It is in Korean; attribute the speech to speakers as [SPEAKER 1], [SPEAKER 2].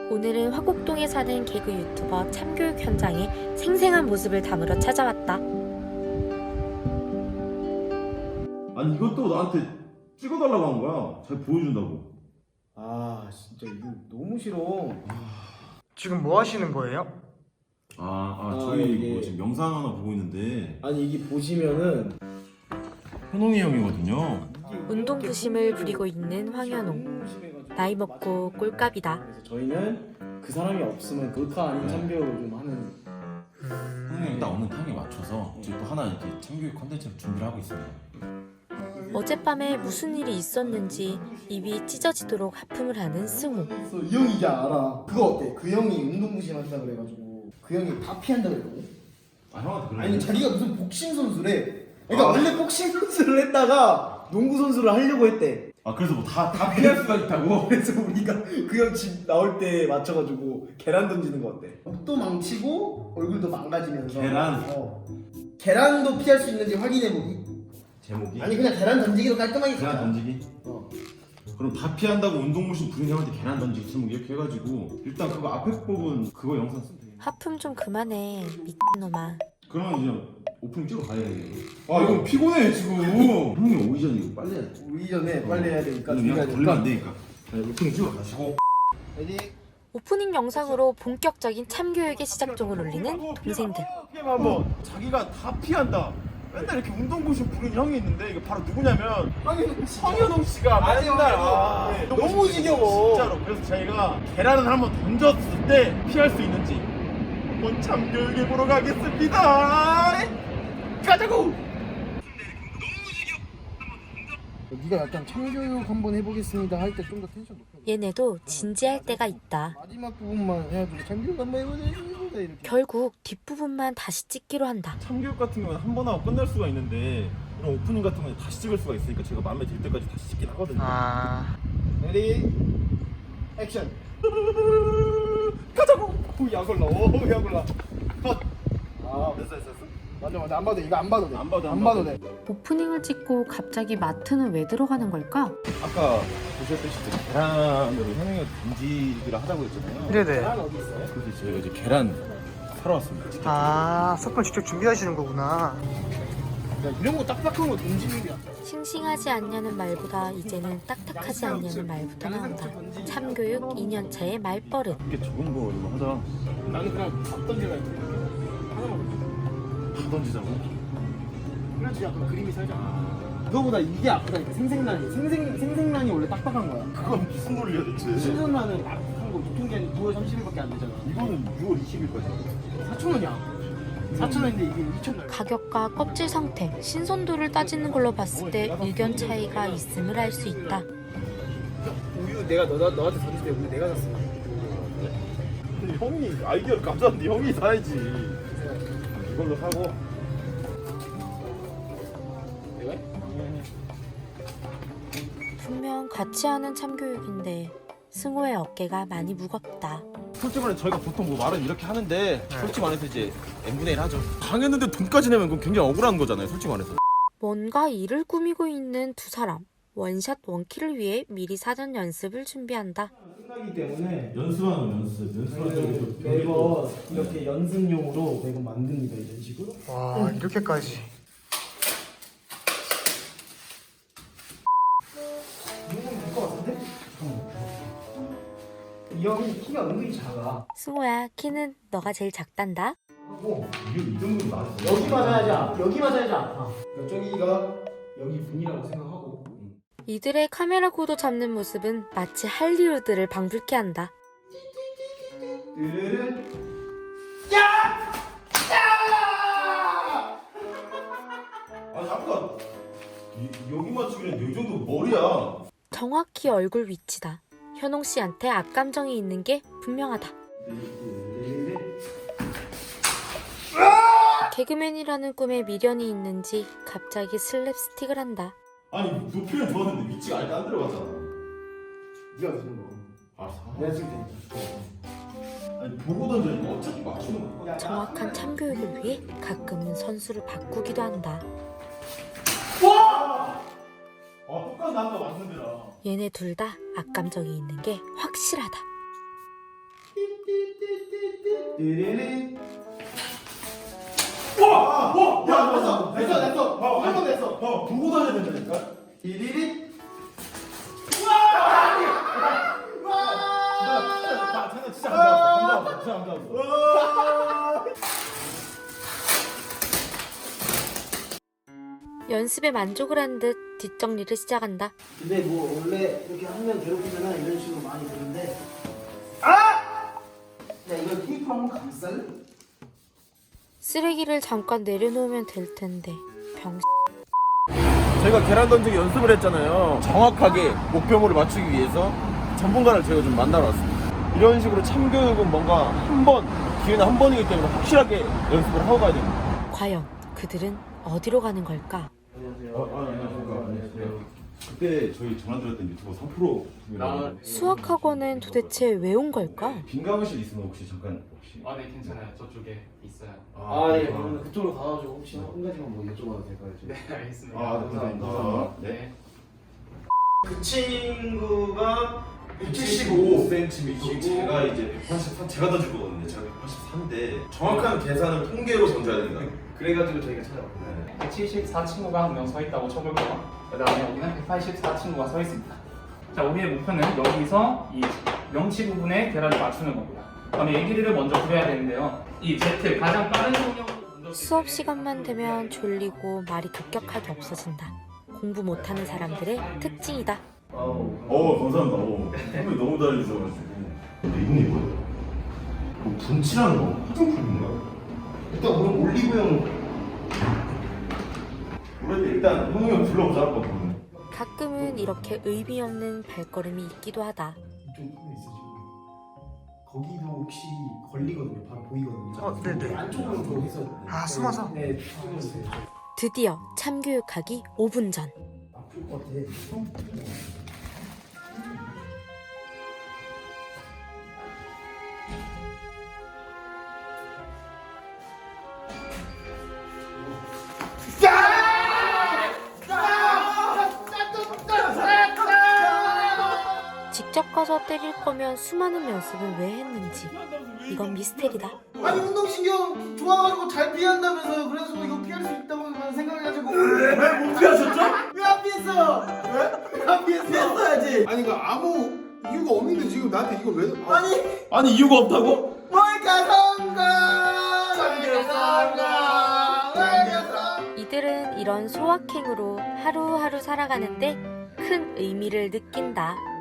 [SPEAKER 1] 오늘은 화곡동에 사는 개그 유튜버 참교육 현장에 생생한 모습을 담으러 찾아왔다.
[SPEAKER 2] 아니 이것도 나한테 찍어달라고 한 거야. 잘 보여준다고.
[SPEAKER 3] 아 진짜 이거 너무 싫어.
[SPEAKER 4] 지금 뭐 하시는 거예요?
[SPEAKER 2] 저희
[SPEAKER 3] 이게-
[SPEAKER 2] 뭐 지금 영상 하나 보고 있는데
[SPEAKER 3] 아니 이게 보시면은
[SPEAKER 2] 현웅이 형이거든요.
[SPEAKER 1] 운동 부심을 부리고 있는 황현웅.
[SPEAKER 3] 너무 심해가지고.
[SPEAKER 1] 나이 먹고 꼴값이다.
[SPEAKER 3] 그래서 저희는 그 사람이 없으면 극화 아닌 참교육을 좀 하는.
[SPEAKER 2] 현웅이 딱 오는 타임에 맞춰서 저희 또 하나 이렇게 참교육 컨텐츠를 준비를 하고 있습니다.
[SPEAKER 1] 어젯밤에 무슨 일이 있었는지 입이 찢어지도록 하품을 하는 승우.
[SPEAKER 3] 이 형이 이제 알아. 그거 어때? 그 형이 운동부심한다 그래가지고 그 형이 다 피한다 그랬거든.
[SPEAKER 2] 아 형한테 그런
[SPEAKER 3] 아니
[SPEAKER 2] 거?
[SPEAKER 3] 자기가 무슨 복싱 선수래. 그러니까 원래 복싱 선수를 했다가 농구 선수를 하려고 했대.
[SPEAKER 2] 아 그래서 뭐 다 피할 수가 있다고?
[SPEAKER 3] 그래서 우리가 그 형 집 나올 때 맞춰가지고 계란 던지는 거 어때? 옷도 망치고 얼굴도 망가지면서.
[SPEAKER 2] 계란?
[SPEAKER 3] 계란도 피할 수 있는지 확인해보기.
[SPEAKER 2] 제목이?
[SPEAKER 3] 아니 그냥 계란 던지기로 깔끔하게
[SPEAKER 2] 계란
[SPEAKER 3] 가자.
[SPEAKER 2] 던지기? 그럼 다 피한다고 운동무신 부린 형한테 계란 던지기 제목 이렇게 해가지고 일단 그거 앞에 부분 그거 영상 쓰면 돼.
[SPEAKER 1] 하품 좀 그만해, 미친놈아.
[SPEAKER 2] 그러면 이제 오프닝 찍어 가야 돼. 아 이거 피곤해 지금. 형이 오기 전에 이거 빨리 해야 돼.
[SPEAKER 3] 우리 전에 빨리 해야 되니까
[SPEAKER 2] 그냥
[SPEAKER 3] 준비해야
[SPEAKER 2] 걸리면 안
[SPEAKER 3] 되니까.
[SPEAKER 2] 되니까. 오프닝 찍어 가시고.
[SPEAKER 3] 레디.
[SPEAKER 1] 오프닝 영상으로 본격적인 참교육의 시작종을 울리는 동생들.
[SPEAKER 5] 한번 자기가 다 피한다. 맨날 이렇게 운동부심 부른 형이 있는데 이거 바로 누구냐면 성현웅 씨가
[SPEAKER 3] 맞아요,
[SPEAKER 5] 맨날
[SPEAKER 3] 맞아요.
[SPEAKER 5] 네,
[SPEAKER 3] 너무
[SPEAKER 5] 운동부심
[SPEAKER 3] 지겨워.
[SPEAKER 5] 진짜로. 그래서 저희가 계란을 한번 던졌을 때 피할 수 있는지 한번 참교육해 보러 가겠습니다. 가자고.
[SPEAKER 3] 네가 약간 참교육 한번 해보겠습니다 할 때 좀 더 텐션 높여.
[SPEAKER 1] 얘네도 진지할 때가 있다.
[SPEAKER 3] 마지막 부분만 해가지고 참교육 한번 해보자 이렇게.
[SPEAKER 1] 결국 뒷부분만 다시 찍기로 한다.
[SPEAKER 5] 참교육 같은 경우는 한 번 하고 끝날 수가 있는데 이런 오프닝 같은 경우는 다시 찍을 수가 있으니까 제가 마음에 들 때까지 다시 찍긴 하거든요.
[SPEAKER 3] 레디. 액션.
[SPEAKER 5] 가자고. 약 올라. 약 올라. 컷. 됐어.
[SPEAKER 3] 맞아 안 봐도 돼. 이거 안 봐도 돼.
[SPEAKER 5] 안 봐도
[SPEAKER 3] 안 봐도 돼.
[SPEAKER 1] 오프닝을 찍고 갑자기 마트는 왜 들어가는 걸까?
[SPEAKER 5] 아까 보셨듯이 이제 계란으로 현웅이가 던지기를 하자고 했잖아요.
[SPEAKER 4] 네네.
[SPEAKER 3] 계란 어디 있어요?
[SPEAKER 5] 그래서 저희가 이제 계란 사러 왔습니다. 직접.
[SPEAKER 4] 아, 석분 직접 준비하시는 거구나.
[SPEAKER 3] 야, 이런 거 딱딱한 거 던지는 게.
[SPEAKER 1] 싱싱하지 않냐는 말보다 이제는 딱딱하지 않냐는 말부터 나온다. 참교육 2년차의 말버릇.
[SPEAKER 5] 이게 좋은 거 이거 하자.
[SPEAKER 3] 나는 그냥 밥 던지라 했는데 하나만 던져.
[SPEAKER 5] 다 던지자고.
[SPEAKER 3] 그래야지 약간 그림이 살잖아. 이거보다 이게 아프다니까. 생생란이. 생생란이 원래 딱딱한 거야.
[SPEAKER 5] 그건 무슨 논리야 대체?
[SPEAKER 3] 신선란은 딱딱한 거 유통기한이 9월 30일밖에 안 되잖아.
[SPEAKER 5] 이거는 6월 20일까지.
[SPEAKER 3] 4,000원이야. 4,000원인데 이게 2,000원.
[SPEAKER 1] 가격과 껍질 상태, 신선도를 따지는 걸로 봤을 때 의견 차이가 있음을 알 수 있다.
[SPEAKER 3] 우유 내가 너한테 던질 때 우유 내가 샀어.
[SPEAKER 5] 형이 아이디어를 감사한데 형이 사야지. 이걸로 사고.
[SPEAKER 3] 내가 해?
[SPEAKER 1] 분명 같이 하는 참교육인데 승호의 어깨가 많이 무겁다.
[SPEAKER 5] 솔직히 말해 저희가 보통 뭐 말은 이렇게 하는데 솔직히 말해서 이제 n분의 1 하죠. 당했는데 돈까지 내면 그건 굉장히 억울한 거잖아요. 솔직히 말해서.
[SPEAKER 1] 뭔가 일을 꾸미고 있는 두 사람. 원샷 원킬을 위해 미리 사전 연습을 준비한다.
[SPEAKER 3] 끝나기 때문에
[SPEAKER 2] 연습하는 연습.
[SPEAKER 3] 매번 이렇게 연습용으로 매번 만듭니다. 이런 식으로.
[SPEAKER 4] 와, 이렇게까지.
[SPEAKER 3] 이거는 될것 같은데? 이 형이 키가 은근히 작아.
[SPEAKER 1] 승호야, 키는 너가 제일 작단다.
[SPEAKER 3] 하고
[SPEAKER 2] 이 정도면 나왔어.
[SPEAKER 3] 여기 맞아야지 아파. 저기가 여기 분이라고 생각하고.
[SPEAKER 1] 이들의 카메라 구도 잡는 모습은 마치 할리우드를 방불케 한다.
[SPEAKER 3] 르르르.
[SPEAKER 2] 아니 아까 여기 맞추기는 이 정도 머리야.
[SPEAKER 1] 정확히 얼굴 위치다. 현홍 씨한테 악감정이 있는 게 분명하다. 개그맨이라는 꿈에 미련이 있는지 갑자기 슬랩스틱을 한다.
[SPEAKER 2] 아니 높이는 좋았는데 위치가 아예 안 들어갔잖아.
[SPEAKER 3] 네가 무슨 거?
[SPEAKER 2] 알았어.
[SPEAKER 3] 내가 지금 되니까.
[SPEAKER 2] 아니 보고 던져니까 어차피 맞추는 거야.
[SPEAKER 1] 정확한 참교육을 위해 가끔은 선수를 바꾸기도 한다.
[SPEAKER 2] 똑같이 아까 맞는 데라.
[SPEAKER 1] 얘네 둘 다 악감정이 있는 게 확실하다.
[SPEAKER 2] 띠리리.
[SPEAKER 5] 야, 됐어. 한번 됐어. 보고 다녀야 된다니까.
[SPEAKER 2] 띠리리.
[SPEAKER 5] 나 진짜 감사합니다.
[SPEAKER 1] 연습에 만족을 한 듯 뒷정리를 시작한다.
[SPEAKER 3] 근데 뭐 원래 이렇게 한 명 괴롭히면 이런 식으로 많이 되는데 야 이거 테이프 한번 감쌀래?
[SPEAKER 1] 쓰레기를 잠깐 내려놓으면 될 텐데 병.
[SPEAKER 5] 제가 계란 던지기 연습을 했잖아요. 정확하게 목표물을 맞추기 위해서 전문가를 제가 좀 만나러 왔습니다. 이런 식으로 참교육은 뭔가 기회는 한 번이기 때문에 확실하게 연습을 하고 가야 됩니다.
[SPEAKER 1] 과연 그들은 어디로 가는 걸까?
[SPEAKER 2] 안녕하십니까. 그때 저희 전화 드렸던 유튜버 3%.
[SPEAKER 1] 수학학원은 도대체 왜 온 걸까?
[SPEAKER 2] 빈가무실 있으면 혹시 잠깐
[SPEAKER 6] 네 괜찮아요. 저쪽에 있어요.
[SPEAKER 3] 예 그러면 그쪽으로 가가지고 혹시 한 가지만 뭐 여쭤봐도 될까요? 지금?
[SPEAKER 6] 네 알겠습니다.
[SPEAKER 2] 감사합니다.
[SPEAKER 6] 네.
[SPEAKER 2] 그 친구가 175cm이고 제가 이제 183, 제가 던질 거거든요. 제가 183인데 정확한 계산은 통계로 던져야 된다. 그래가지고 저희가 찾아왔거든요.
[SPEAKER 6] 174 친구가 한 명 서 있다고 쳐볼게요. 그 다음에 여기는 184 친구가 서 있습니다. 자, 우리의 목표는 여기서 이 명치 부분에 계란을 맞추는 겁니다. 그다음에 이 길이를 먼저 그려야 되는데요. 이 Z 가장 빠른 속력으로
[SPEAKER 1] 수업 시간만 되면 졸리고 말이 급격하게 없어진다. 공부 못하는 사람들의 특징이다.
[SPEAKER 2] 감사합니다. 선배님 너무 잘해주셔가지고. 근데 이분이 뭐예요? 뭐 분칠하는 거? 화장품인가? 일단 그럼 올리브영. 원래 일단 형이 형 불러보자 했거든요.
[SPEAKER 1] 가끔은 이렇게 의미 없는 발걸음이 있기도 하다.
[SPEAKER 3] 이쪽 화면 있어 지금. 거기도 혹시 걸리거든요. 바로 보이거든요.
[SPEAKER 4] 네네.
[SPEAKER 3] 안쪽으로 좀 해서.
[SPEAKER 4] 숨어서?
[SPEAKER 3] 네, 찍어주세요.
[SPEAKER 1] 드디어 참교육하기 5분 전.
[SPEAKER 3] 아플 것 같아.
[SPEAKER 1] 직접 가서 때릴 거면 수많은 연습을 왜 했는지 이건 미스테리다.
[SPEAKER 3] 아니 운동신경 좋아가지고 잘 피한다면서요. 그래서 이거 피할 수 있다고 생각해가지고.
[SPEAKER 5] 못 피하셨죠?
[SPEAKER 3] 왜 안 피했어? 왜 안 피했어? 피했어야지.
[SPEAKER 7] 아니 그 아무 이유가 없는데 지금 나한테 이걸 왜?
[SPEAKER 5] 아니 이유가 없다고?
[SPEAKER 1] 이들은 이런 소확행으로 하루하루 살아가는데 큰 의미를 느낀다.